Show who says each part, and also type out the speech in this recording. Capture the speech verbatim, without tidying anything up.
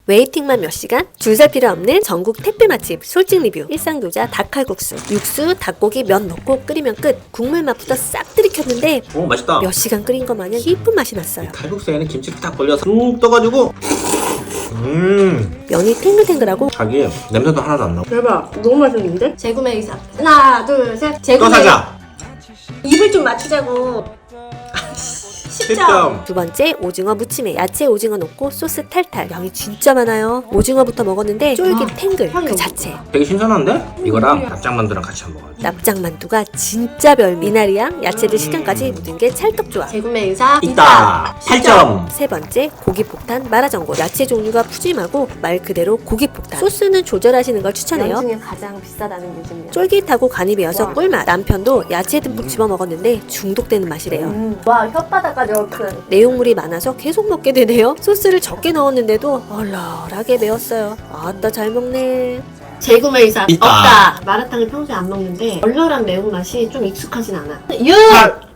Speaker 1: 웨이팅만 몇 시간? 줄 설 필요 없는 전국 택배 맛집 솔직 리뷰. 일상교자 닭칼국수. 육수, 닭고기, 면 넣고 끓이면 끝. 국물 맛부터 싹 들이켰는데
Speaker 2: 오 맛있다.
Speaker 1: 몇 시간 끓인 것 마냥 깊은 맛이 났어요.
Speaker 2: 칼국수에는 김치를 딱 벌려서 쭉 떠가지고 음
Speaker 1: 면이 탱글탱글하고
Speaker 2: 자기 냄새도 하나도 안 나고.
Speaker 3: 대박, 너무 맛있는데? 재구매 의사. 하나, 둘, 셋.
Speaker 2: 또
Speaker 3: 재구매.
Speaker 2: 사자.
Speaker 3: 입을 좀 맞추자고.
Speaker 2: 십 점.
Speaker 1: 두 번째 오징어 무침에 야채 오징어 넣고 소스 탈탈. 양이 진짜 많아요. 오징어부터 먹었는데 쫄깃
Speaker 3: 아,
Speaker 1: 탱글
Speaker 3: 향이
Speaker 1: 그
Speaker 3: 너무
Speaker 1: 자체.
Speaker 2: 되게 신선한데? 이거랑 납작만두랑 같이 한번 먹어야지.
Speaker 1: 납작만두가 진짜 별. 미나리랑 야채들 식감까지 모든 게 찰떡 좋아.
Speaker 3: 재구매 의사.
Speaker 2: 있다. 팔 점.
Speaker 1: 세 번째 고기폭탄 마라전골. 야채 종류가 푸짐하고 말 그대로 고기폭탄. 소스는 조절하시는 걸 추천해요.
Speaker 3: 중에 가장 비싸다는 요즘이야.
Speaker 1: 쫄깃하고 간이 배어서
Speaker 3: 와.
Speaker 1: 꿀맛. 남편도 야채 듬뿍 집어 먹었는데 중독되는 맛이래요.
Speaker 3: 음. 와, 혓바닥까지 얼큰.
Speaker 1: 내용물이 많아서 계속 먹게 되네요. 소스를 적게 넣었는데도 얼얼하게 매웠어요. 아따 잘 먹네.
Speaker 3: 재구매 의사.
Speaker 2: 있다.
Speaker 3: 없다. 마라탕을 평소에 안 먹는데 얼얼한 매운맛이 좀 익숙하진 않아. 유!
Speaker 2: 팔.